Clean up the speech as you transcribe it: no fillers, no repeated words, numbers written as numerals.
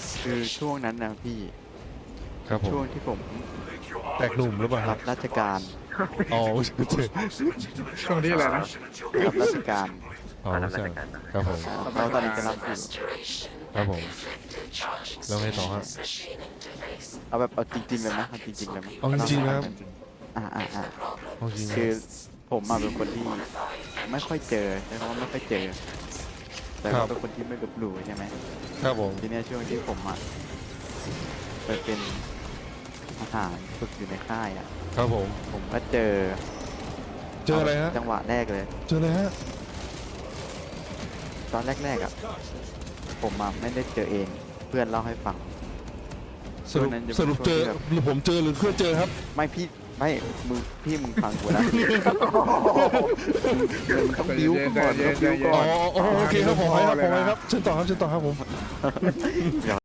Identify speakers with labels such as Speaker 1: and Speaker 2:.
Speaker 1: คือช่วงนั้นนะพี่
Speaker 2: ครับผม
Speaker 1: ช่วงที่ผม
Speaker 2: แตกหนุ่มหรือเปล่าค
Speaker 1: รั
Speaker 2: รับบ
Speaker 1: ราชการ
Speaker 2: อ๋อเจอ
Speaker 3: ช่วงที่อะไรนะ
Speaker 1: รับราชการ
Speaker 2: อ๋อ
Speaker 4: รับ
Speaker 2: ใช่
Speaker 4: ราชการนะ
Speaker 2: ครับผม
Speaker 1: แล้วตอนนี้จะรับอยู่
Speaker 2: ครับผมแล้วไงต่อฮะ
Speaker 1: เอาแบบเอาจริงๆเลยนะเอาจริงๆเลยไหม
Speaker 2: เอาจริงๆนะครับ
Speaker 1: อ่า
Speaker 2: เอาจริงนะ
Speaker 1: คือผมมาเป็นคนที่ไม่ค่อยเจอใช่ไหมว่าไม่ค่อยเจอ แต่ว่าเป็นคนที่ไม่ลบหลู่ใช่ไหม
Speaker 2: ครับผม
Speaker 1: ทีเนี้ยช่วงที่ผมไปเป็นทหารฝึกอยู่ในค่ายอ่ะ
Speaker 2: ครับผม
Speaker 1: ผมก็เจอ
Speaker 2: เจออะไรฮะ
Speaker 1: จังหวะแรกเลย
Speaker 2: เจออะไรฮะ
Speaker 1: ตอนแรกๆอ่ะผมไม่ได้เจอเองเพื่อนเล่าให้ฟัง
Speaker 2: สรุป
Speaker 1: ช่วงนั้นจะเป็น
Speaker 2: สรุปเจอ
Speaker 1: ช่วงที่แบบ
Speaker 2: หรือผมเจอหรือเพื่อนเจอครับ
Speaker 1: ไม่พี่ไม่มึงฟังกูนะ มึงต้องบิ้วกูก่อนต้องบิ้วก่
Speaker 2: อ๋
Speaker 1: อ
Speaker 2: อน อ๋อโอเคครับผมไปครับผมไปครับเชิญต่อครับเชิญต่อครับผม